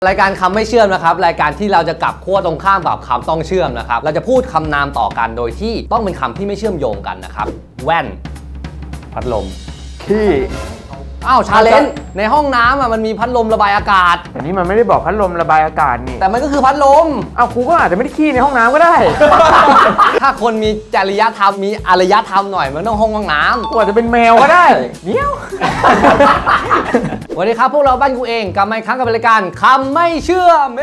รายการคำไม่เชื่อมนะครับรายการที่เราจะกลับขั้วตรงข้ามกับคำต้องเชื่อมนะครับเราจะพูดคำนามต่อกันโดยที่ต้องเป็นคำที่ไม่เชื่อมโยงกันนะครับแว่นพัดลมขี้อ้าวชาเลนจ์ในห้องน้ำมันมีพัดลมระบายอากาศแต่นี่มันไม่ได้บอกพัดลมระบายอากาศนี่แต่มันก็คือพัดลมเอาครูก็อาจจะไม่ได้ขี้ในห้องน้ำก็ได้ถ้าคนมีจริยธรรมมีอารยธรรมหน่อยมันต้องห้องน้ำกูอาจจะเป็นแมวก็ได้เนี้ยวสวัสดีครับพวกเราบ้านกูเองกลับมาอีกครั้งกับรายการคำไม่เชื่อม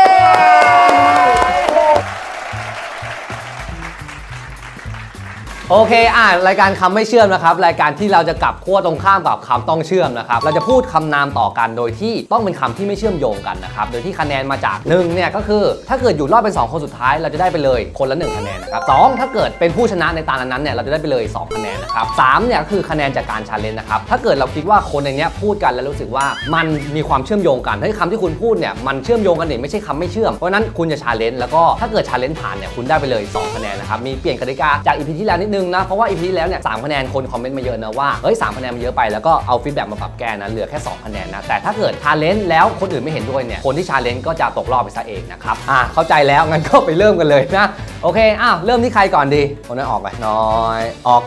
โอเครายการคำไม่เชื่อมนะครับรายการที่เราจะกลับขั้วตรงข้ามกับคำต้องเชื่อมนะครับเราจะพูดคำนามต่อกันโดยที่ต้องเป็นคำที่ไม่เชื่อมโยงกันนะครับโดยที่คะแนนมาจาก1เนี่ยก็คือถ้าเกิดอยู่รอดเป็น2คนสุดท้ายเราจะได้ไปเลยคนละ1คะแนนนะครับ2ถ้าเกิดเป็นผู้ชนะในตานั้นเนี่ยเราจะได้ไปเลย2คะแนนนะครับ3เนี่ยก็คือคะแนนจากการชาเลนจ์นะครับถ้าเกิดเราคิดว่าคนในนี้พูดกันแล้วรู้สึกว่ามันมีความเชื่อมโยงกันคำที่คุณพูดเนี่ยมันเชื่อมโยงกันเนี่ยไม่ใช่คำไม่เชื่อมเพราะนั้นคุณจะชาเลนจ์แล้วก็ถ้าเกิดชาเลนจ์ผ่านเนี่ยคุณได้ไปเลย2คะแนนนะครับมีเปลี่ยนกติกาจาก EP ที่แล้วนิดนึงนะเพราะว่า EP ที่แล้วเนี่ย3คะแนนคนคอมเมนต์มาเยอะนะว่าเฮ้ย3คะแนนมันเยอะไปแล้วก็เอาฟีดแบ็กมาปรับแก้นะเหลือแค่2คะแนนนะแต่ถ้าเกิดชาเลนจ์แล้วคนอื่นไม่เห็นด้วยเนี่ยคนที่ชาเลนจ์ก็จะตกรอบไปซะเองนะครับเข้าใจแล้วงั้นก็ไปเริ่มกันเลยนะโอเคเริ่มที่ใครก่อนดีคนนั้นออกไปน้อยออก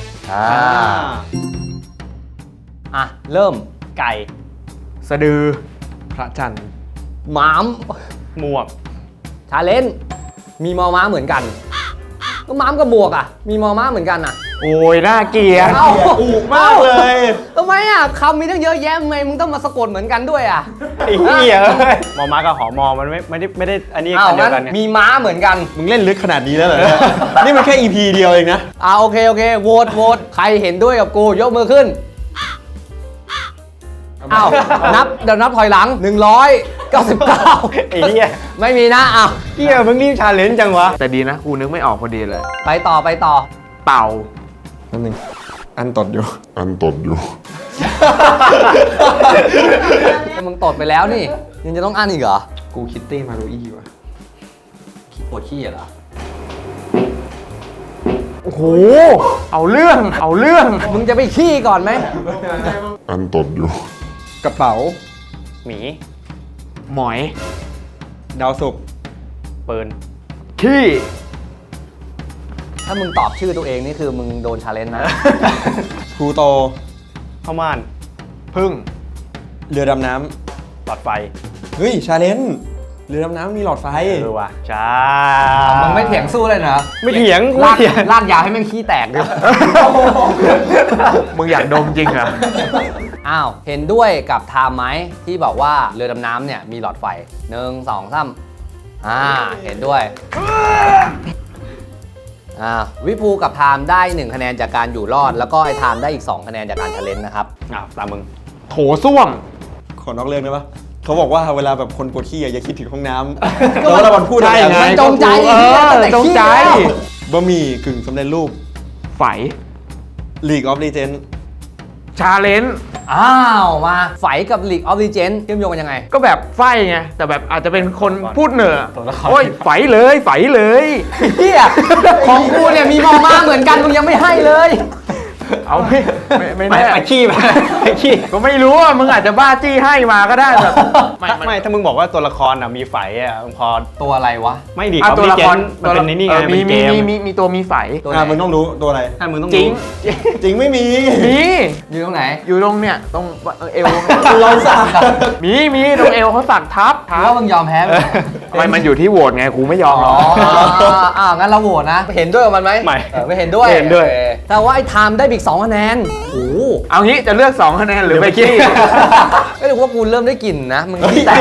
เริ่มไก่สะดือพระจันทร์หมามหมวกชาเลนจ์มีมอม้าเหมือนกันก็หมามกับหมวกมีมอม้าเหมือนกันโอ้ยน่าเกลียดอุกมากเลยทำไมคำมีตั้งเยอะแยะทำไมมึงต้องมาสะกดเหมือนกันด้วยไอ้เหี้ยมอม้ากับหอมอมันไม่ได้อันนี้กันเดียวกันเนี่ยมีม้าเหมือนกันมึงเล่นลึกขนาดนี้แล้วเหรอเนี่ยนี่มันแค่ EP เดียวเองนะโอเคโหวตใครเห็นด้วยกับกูยกมือขึ้นเดี๋ยวนับถอยหลัง199 ไอ้เหี้ยไม่มีนะเหี้ยมึงรีบชาเลนจ์จังวะแต่ดีนะกูนึกไม่ออกพอดีเลยไปต่อเต่านั่นนึงอันตดอยู่มึงตดไปแล้วนี่ยังจะต้องอ่านอีกเหรอกูคิตตี้มารุอี้ว่ะปวดขี้เหรอโอ้โหเอาเรื่องมึงจะไปขี้ก่อนไหมอันตดอยู่กระเป๋าหมีหมอยดาวศุกร์ปืนขี้ถ้ามึงตอบชื่อตัวเองนี่คือมึงโดนชาเลนจ์นะพลูโตเข้าม่านพึ่งเรือดำน้หลอดไฟำเฮ้ยชาเลนจ์เรือดำน้ำมีหลอดไฟว่ะจ้ามึงไม่เถียงสู้เลยนะไม่เถียงลากยาวให้แม่งขี้แตกดิมึงอยากดมจริงเหรอเห็นด้วยกับไทม์ไหมที่บอกว่าเรือดำน้ำเนี่ยมีหลอดไฟ1 2 3เห็นด้วยวิภูกับไทม์ได้1คะแนนจากการอยู่รอดแล้วก็ไอ้ไทม์ได้อีก2คะแนนจากการชาเลนจ์นะครับตามมึงโถส้วมขอนอกเรื่องได้ปะเขาบอกว่าเวลาแบบคนปวดขี้อย่าคิดถึงห้องน้ำแล้วเราพูดอะไรใช่ไงมันจงใจจงใจบะหมี่กึ่งสำเร็จรูปไฝ League of Legends ชาเลนจ์มาไฝกับ League of Legends เชื่อมโยงกันยังไงก็แบบไฟไงแต่แบบอาจจะเป็นคนพูดเหนือตัวละครโอ้ยไฝเลยเฮียของกูเนี่ยมีมอม้าเหมือนกันมึงยังไม่ให้เลยเอาไม่แน่ไปขี้ไปขี้ก็ไม่รู้มึงอาจจะบ้าจี้ให้มาก็ได้แบบไม่ถ้ามึงบอกว่าตัวละครมีไฝพอตัวอะไรวะไม่ดีตัวละครมันเป็นนี่ไงมีเป็นเกมมีตัวมีไฝตัวไหนมึงต้องรู้ตัวอะไรถ้ามึงต้องจริงจริงไม่มีมีอยู่ตรงไหนอยู่ตรงเนี่ยตรงเอวเราสักมีตรงเอวเขาสักทับหรือว่ามึงยอมแพ้ไปไม่มันอยู่ที่โหวตไงกูไม่ยอมหรอกงั้นเราโหวตนะ เห็นด้วยกับมันไหมไม่ไม่เห็นด้วยเห็นด้วยโอเคแต่ว่าไอ้ไทม์ได้อีก2คะแนนโอ้โหเอางี้จะเลือก2คะแนนหรือไปขี้ก็ถือว่ากูเริ่มได้กลิ่นนะ มึงขี้แตก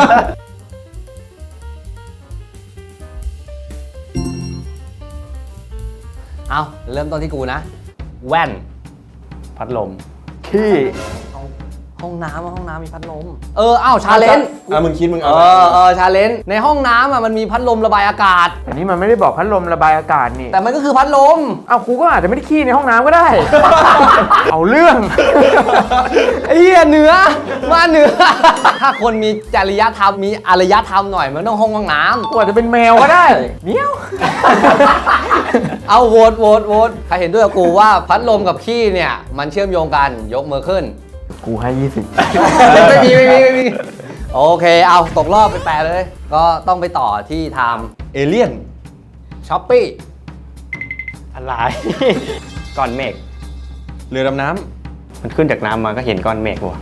เริ่มต้นที่กูนะ แว่น พัดลมขี้ห้องน้ำมีพัดลมชาเลนจ์มึงคิดมึงเอาชาเลนจ์ในห้องน้ำมันมีพัดลมระบายอากาศแต่นี่มันไม่ได้บอกพัดลมระบายอากาศนี่แต่มันก็คือพัดลมเอาครูก็อาจจะไม่ได้ขี้ในห้องน้ำก็ได้ เอาเรื่องไอ้เหี้ยเหนือมาเหนือ ถ้าคนมีจริยธรรมมีอารยธรรมหน่อยมันต้องห้องน้ำกูอาจจะเป็นแมวก็ได้เนี้ยวเอาโหวตใครเห็นด้วยกับกูว่าพัดลมกับขี้เนี่ยมันเชื่อมโยงกันยกมือขึ้นกูให้20 ไม่มีโอเคเอาตกรอบไปแปลเลย ก็ต้องไปต่อที่ไทม์เอเลี่ยนช้อปปี้อะไร ก้อนเมฆเรือดำน้มันขึ้นจากน้ำมาก็เห็นก้อนเมฆว่ะ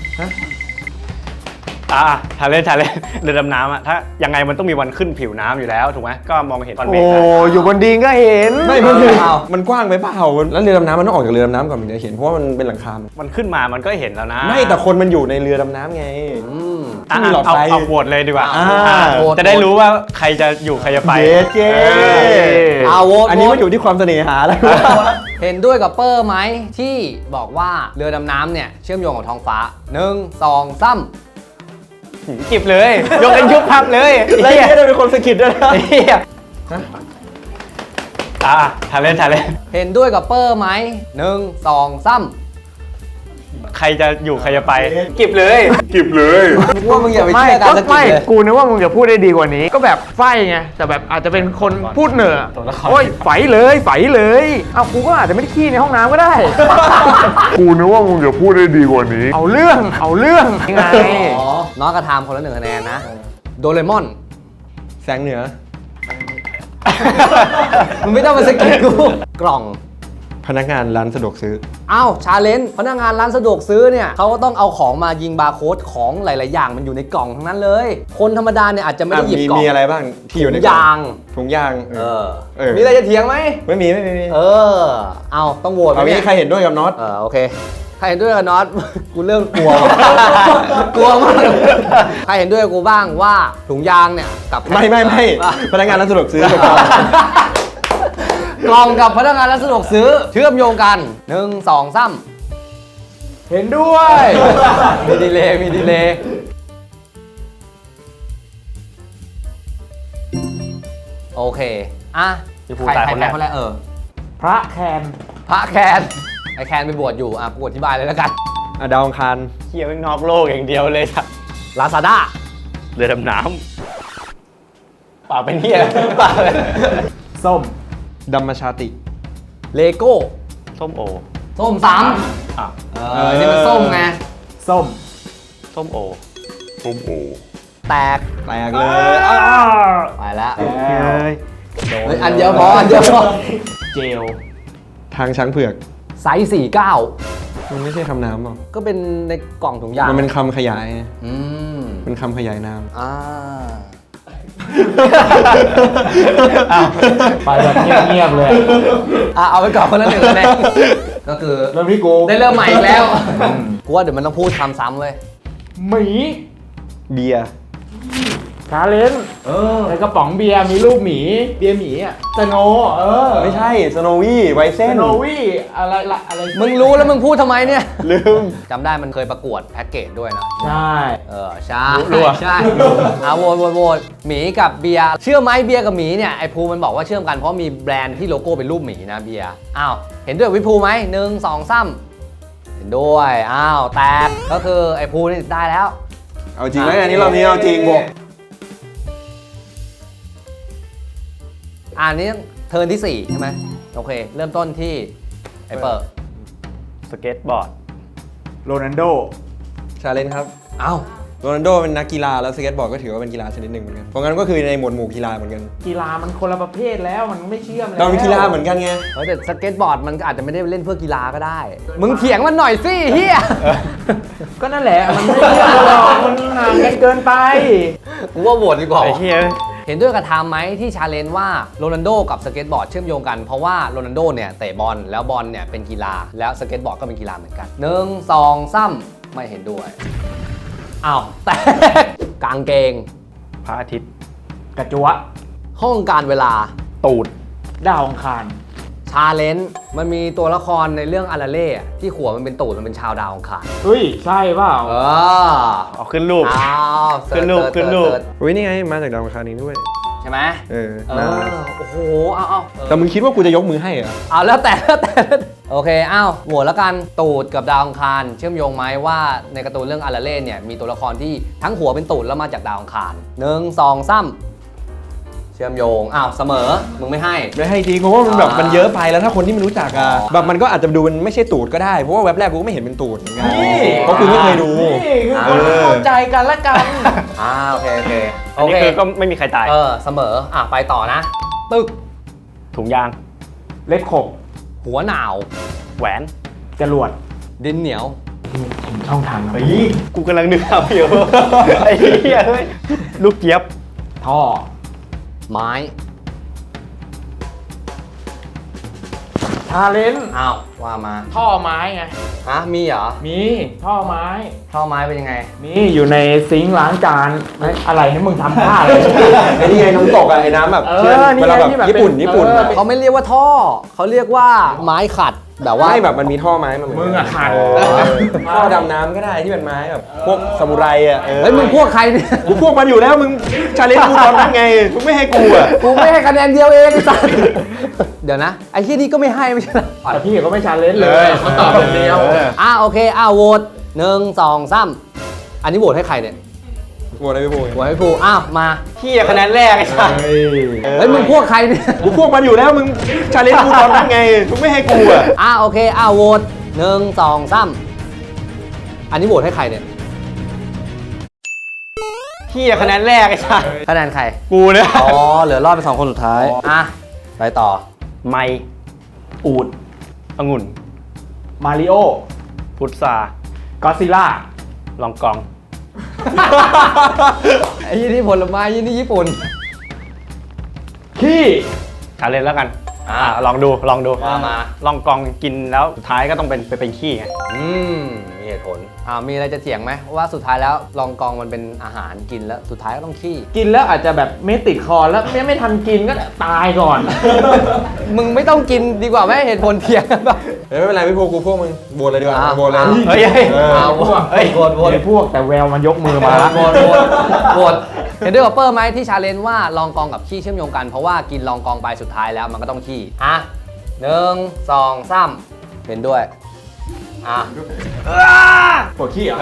ทะเลเรือดำน้ำอะถ้ายังไงมันต้องมีวันขึ้นผิวน้ำอยู่แล้วถูกไหมก็มองเห็นก้อนเมฆโอ้อยู่บนดินก็เห็นำไม่มันคือมันกว้างไปเปล่าแล้วเรือดำน้ำมันต้องออกจากเรือดำน้ำก่อนถึงจะเห็นเพราะว่ามันเป็นหลังคามันขึ้นมามันก็เห็นแล้วนะไม่แต่คนมันอยู่ในเรือดำน้ำไงอ่ะที่มีหลอดไฟเอาโหวตเลยดีกว่าโหวตจะได้รู้ว่าใครจะอยู่ใครจะไปเย้เจ๊เอาโหวตอันนี้มันอยู่ที่ความเสน่หาแล้วเห็นด้วยกับเปอร์ไหมที่บอกว่าเรือดำน้ำเนี่ยเชื่อมโยงกับท้องฟ้า 1 2 3 จิบเลย ยกเป็นยุบพับเลยแล้วไอ้เนี่ยเป็นคนสะกิดด้วยนะเฮียทะเลเห็นด้วยกับเปอร์ไหม1 2 3 ใครจะอยู่ใครจะไปจิบเลยกิบเลยว่ามึงอย่าไปไม่เชื่อการก็สะกิดไม่เลยกูนึกว่ามึงจะพูดได้ดีกว่านี้ ก็แบบไฟไง แต่แบบอาจจะเป็นคนพูดเหนือโอ้ยไฟเลยเอากูก็อาจจะไม่ได้ขี้ในห้องน้ำก็ได้กูนึกว่ามึงจะพูดได้ดีกว่านี้เอาเรื่องยังไงอ๋อน้องกระทำคนละ1 คะแนนนะ โดเรมอนแสงเหนือมึงไม่ต้องมาสะกิดกู กล่องพนักงานร้านสะดวกซื้ออ้าวชาเลนจ์พนักงานร้านสะดวกซื้อเนี่ยเขาก็ต้องเอาของมายิงบาร์โค้ดของหลาย ๆ อย่างมันอยู่ในกล่องทั้งนั้นเลย คนธรรมดาเนี่ยอาจจะไม่ได้หยิบกล่องมีอะไรบ้างที่อยู่ในถุงยางถุงยางเออเออมีอะไรจะเถียงไหมไม่มีเออ เอาต้องโหวตไหมเอางี้เนี่ยใครเห็นด้วยกับน็อตโอเค ใครเห็นด้วยกับน็อต กูเริ่มกลัว กลัวมาก ใครเห็นด้วยกับกูบ้างว่าถุงยางเนี่ยกับไม่อ่ะพนักงานร้านสะดวกซื้อกล่องกับพนักงานร้านสะดวกซื้อเชื่อมโยงกัน 1 2 3 เห็นด้วยมีดีเลย์มีดีเลย์โอเค อ่ะพี่ภูใครตายใครคนแรแพ้กคนแรกพระแคนพระแคนไอแคนไปบวชอยู่ อ่ะกูอธิบายเลยแล้วกันดาวอังคารเฮียไม่งนอกโลกอย่างเดียวเลยครับลาซาด้าเรือดำน้ำป่าเป็นเฮียป่าเลยส้มดัมมชาติเลโก้ส้มโอส้มซ้อ่ะำนี่มันส้มไงส้มส้มโอส้มโอแตกแตกเลยไปแล้วเฮ้ยเฮ้ยอันเดียวพอ อันเดียวพอเจลทางช้างเผือกไซส์49 มันไม่ใช่คำน้ำหรอกก็เป็นในกล่องถุงยางมันเป็นคำขยายอืมเป็นคำขยายนามอ่าไปแบบเงียบๆเลยเอาไปก่อนคนละ1 คะแนนก็คือเริ่มที่กูได้เริ่มใหม่อีกแล้ว กูว่าเดี๋ยวมันต้องพูดคำซ้ำเลยหมีเบียร์ชาเลนจ์ในกระป๋องเบียร์มีรูปหมี เบียร์หมีอ่ะสโนไม่ใช่สโนวี่ไวเซสนโนวี่อะไรมึงรู้แล้วมึงพูดทำไมเนี่ยลืมจำได้มันเคยประกวดแพ็กเกจด้วยนะใช่ใช่ใช่โหวตหมีกับเบียร์เชื่อไหมเบียร์กับหมีเนี่ยไอภูมันบอกว่าเชื่อมกันเพราะมีแบรนด์ที่โลโก้เป็นรูปหมีนะเบียร์อ้าวเห็นด้วยกับวิภูไหม1 2 3เห็นด้วยอ้าวแตกก็คือไอภูนี่ได้แล้วเอาจริงแล้วอันนี้เรานี้เอาจริงอันนี้เทิร์นที่ 4 ใช่ไหมโอเค เริ่มต้นที่ไอเปิร์สเก็ตบอร์ดโรนัลโดชาเลนจ์ครับอ้าวโรนัลโดเป็นนักกีฬาแล้วสเก็ตบอร์ดก็ถือว่าเป็นกีฬาชนิดหนึ่งเหมือนกันเพราะงั้นก็คือในหมวดหมู่กีฬาเหมือนกันกีฬามันคนละประเภทแล้วมันไม่เชื่อมแล้วเราเป็นกีฬาเหมือนกันไงแต่สเก็ตบอร์ดมันก็อาจจะไม่ได้เล่นเพื่อกีฬาก็ได้ มึงเถียงมันหน่อยสิเฮียก็นั่นแหละมันไม่เชื่อมหรอกมันห่างกันเกินไปกูว่าโหวตดีกว่าไอ้เฮียเห็นด้วยกับไทม์ไหมที่ชาเลนจ์ว่าโรนัลโดกับสเก็ตบอร์ดเชื่อมโยงกันเพราะว่าโรนัลโดเนี่ยเตะบอลแล้วบอลเนี่ยเป็นกีฬาแล้วสเก็ตบอร์ดก็เป็นกีฬาเหมือนกัน1 2 3ไม่เห็นด้วยอ้าวแตกกางเกงพระอาทิตย์กระจัวห้องการเวลาตูดดาวอังคารชาเลนจ์มันมีตัวละครในเรื่องอาราเล่อะที่หัวมันเป็นตูดมันเป็นชาวดาวอังคารเฮ้ย ใช่เปล่าเอาขึ้นรูปอ้าวขึ้นรูปเสิร์ชขึ้นรูปเสิร์ชอุ้ยนี่ไงมาจากดาวอังคารนี้ด้วยใช่ไหมเออเอน่าอโอ้โหเอาแต่มึงคิดว่ากูจะยกมือให้เหรอเอาแล้วแต่โอเคอ้าวโหวตแล้วกันตูดกับดาวอังคารเชื่อมโยงไหมว่าในการ์ตูนเรื่องอาราเล่เนี่ยมีตัวละครที่ทั้งหัวเป็นตูดแล้วมาจากดาวอังคาร1 2 3เชื่อชื่อมโยงอ้าวเสมอมึงไม่ให้ไม่ให้จริงเพราะว่ามันแบบมันเยอะไปแล้วถ้าคนที่ไม่รู้จักอ่ะแบบมันก็อาจจะดูมันไม่ใช่ตูดก็ได้เพราะว่าเว็บแรกกูก็ไม่เห็นเป็นตูดเหมือนกันเพราะกูไม่เคยดูนี่คือคนเข้าใจกันละกันโอเคโอเคอันนี้คือก็ไม่มีใครตายเสมอไปต่อนะ ตึกถุงยางเล็บขบหัวหนาวแหวนจรวดดินเหนียวช่องทางนะกูกำลังนึกเอาอยู่ ไอ้เหี้ยเฮ้ยลูกเจี๊ยบท่อไม้ชาเลนจ์อ้าวว่ามาท่อไม้ไงมีเหรอมีท่อไม้ท่อไม้เป็นยังไงมีอยู่ในซิงค์ล้างจานเฮ้ยอะไรให้มึงทำท่าเลยไอ้นี่ไงน้ำตกอ่ะไอ้น้ำแบบนี่เวลาแบบที่แบบญี่ปุ่นเป็นญี่ปุ่นเขาไม่เรียกว่าท่อ เขาเรียกว่าไม้ขัดแบบว่าไม่แบบมันมีท่อไม้มาเหมือนมึงอะขาดท่อดำน้ำก็ได้ที่เป็นไม้แบบพวกซามูไรอ่ะเฮ้ยมึงพวกใครเนี่ยกูพวกมันอยู่แล้วมึงชาเลนจ์กูตอนนั้นไงมึงไม่ให้กูอ่ะกูไม่ให้คะแนนเดียวเองไอ้สัสเดี๋ยวนะไอ้ที่นี่ก็ไม่ให้ไม่ใช่เหรอแต่พี่ก็ไม่ชาเลนจ์เลยเขาตอบอย่างเดียวโอเคโหวต1 2 3อันนี้โหวตให้ใครเนี่ยโหวตอะไรไม่พูดโหวตให้ภูมาพี่คะแนนแรกไอ้สัสเฮ้ยมึงพวกใครเนี่ยกูพวกมันอยู่แล้วมึงชาเลนจ์กูตอนนั้นไงมึงไม่ให้กูอ่ะโอเคโหวต1 2 3อันนี้โหวตให้ใครเนี่ยพี่คะแนนแรกไอ้สัสคะแนนใครกูเนี่ยเหลือรอดเป็น2 คนสุดท้ายไปต่อไมอูดองุ่นมาริโอพุทราก็ซิล่าลองกองไอ้ยี่นี่ผลไม้ยี่นี่ญี่ปุ่นขี้ชาเลนจ์แล้วกันลองดูมาลองกองกินแล้วสุดท้ายก็ต้องเป็นขี้ไงมีเหตุผลมีอะไรจะเถียงไหมว่าสุดท้ายแล้วลองกองมันเป็นอาหารกินแล้วสุดท้ายก็ต้องขี้กินแล้วอาจจะแบบไม่ติดคอแล้วไม่ทันกินก็ตายก่อนมึงไม่ต้องกินดีกว่าไหมเหตุผลเถียงกันแบบไม่เป็นไรพี่พวกกูพวกมึงโหวตเลยดีกว่าโหวตเลยเฮ้ยพวกโหวตไอ้พวกแต่แววมันยกมือมาละโหวตเห็นด้วยกับเปอร์ไหมที่ชาเลนจ์ว่าลองกองกับขี้เชื่อมโยงกันเพราะว่ากินลองกองไปสุดท้ายแล้วมันก็ต้องขี้1 2 3เห็นด้วยปวดขี้เหรอ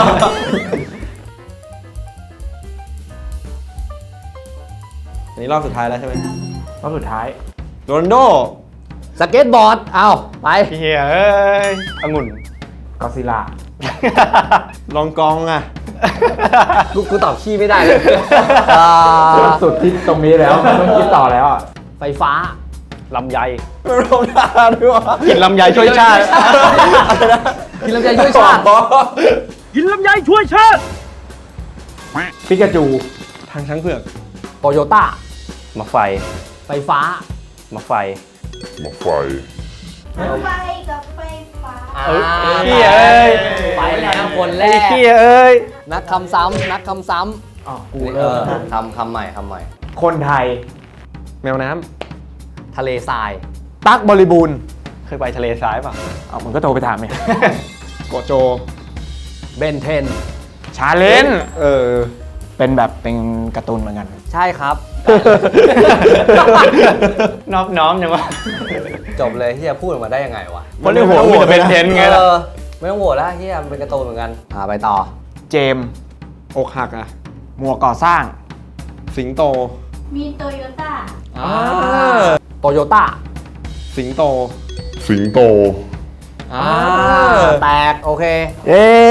อันนี้รอบสุดท้ายแล้วใช่ไหมรอบสุดท้ายโรนลโดสเก็ตบอร์ดไปเฮียเอ้ยองุ่นก็ซิล่าลองกองอ่ะกูตอบขี้ไม่ได้เลยสุดที่ตรงนี้แล้วไม่ต้องคิดต่อแล้วอ่ะไฟฟ้าลำไยไม่ลงทาด้วยวะกินลำไยช่วยชาติกินลำไยช่วยชาติกินลำไยช่วยชาติปิกาจูทางช้างเผือกโตโยต้ามาไฟไฟฟ้ามาไฟมาไฟไฟกับไฟฟ้าเฮียเอ้ยไปแล้วคนแรไอ้กเฮียเอ้ยนักคำซ้ำนักคำซ้อ๋อกูำเริ่มคำใหม่คำใหม่คนไทยแมวน้ทะเลทรายตั๊กบริบูรณ์เคยไปทะเลทรายป่ะเอามึงก็โทรไปถามเนี่ยำโกโจเบนเทนชาเลนจ์เป็นแบบเป็นการ์ตูนเหมือนกันใช่ครับนอบน้อมยังวะจบเลยเฮียพูดออกมาได้ยังไงวะเพราะในหัวมีแต่เป็นเทนไงล่ะไม่ต้องโหวตแล้วเฮียมันเป็นการ์ตูนเหมือนกันไปต่อเจมส์อกหักอ่ะหมวกก่อสร้างสิงโตมีโตโยต้าโตโยต้าสิงโตสิงโตแตกโอเคเย้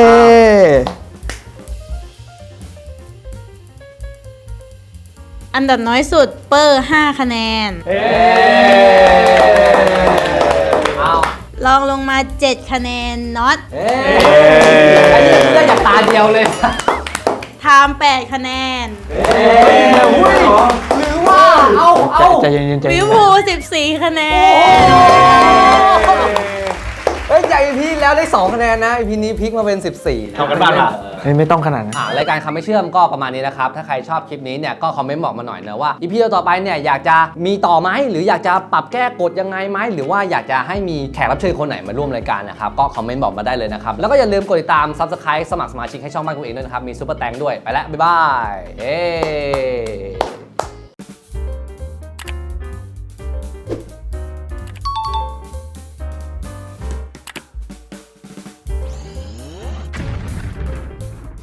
อันดับน้อยสุดเปอร์ 5 คะแนนเอาลองลงมา 7 คะแนนน็อตไอ้นี่ได้จากตาเดียวเลยไทม์8 คะแนนหรือว่าเอาใจเย็นๆใจวิเย็วน พู14 คะแนนเฮ้ยจากอีพีแล้วได้ 2 คะแนนนะอีพีนี้พลิกมาเป็น 14 ทำกันบ้านป่ะเฮ้ยไม่ต้องขนาดนั้นรายการคำไม่เชื่อมก็ประมาณนี้นะครับ ถ้าใครชอบคลิปนี้เนี่ยก็คอมเมนต์บอกมาหน่อยนะว่าอีพีต่อไปเนี่ยอยากจะมีต่อไหมหรืออยากจะปรับแก้กฎยังไงไหมหรือว่าอยากจะให้มีแขกรับเชิญคนไหนมาร่วมรายการนะครับก็คอมเมนต์บอกมาได้เลยนะครับแล้วก็อย่าลืมกดติดตาม Subscribe สมัครสมาชิกให้ช่องบ้านกูเองด้วยนะครับมีซุปเปอร์แตงด้วยไปแล้วบ๊ายบาย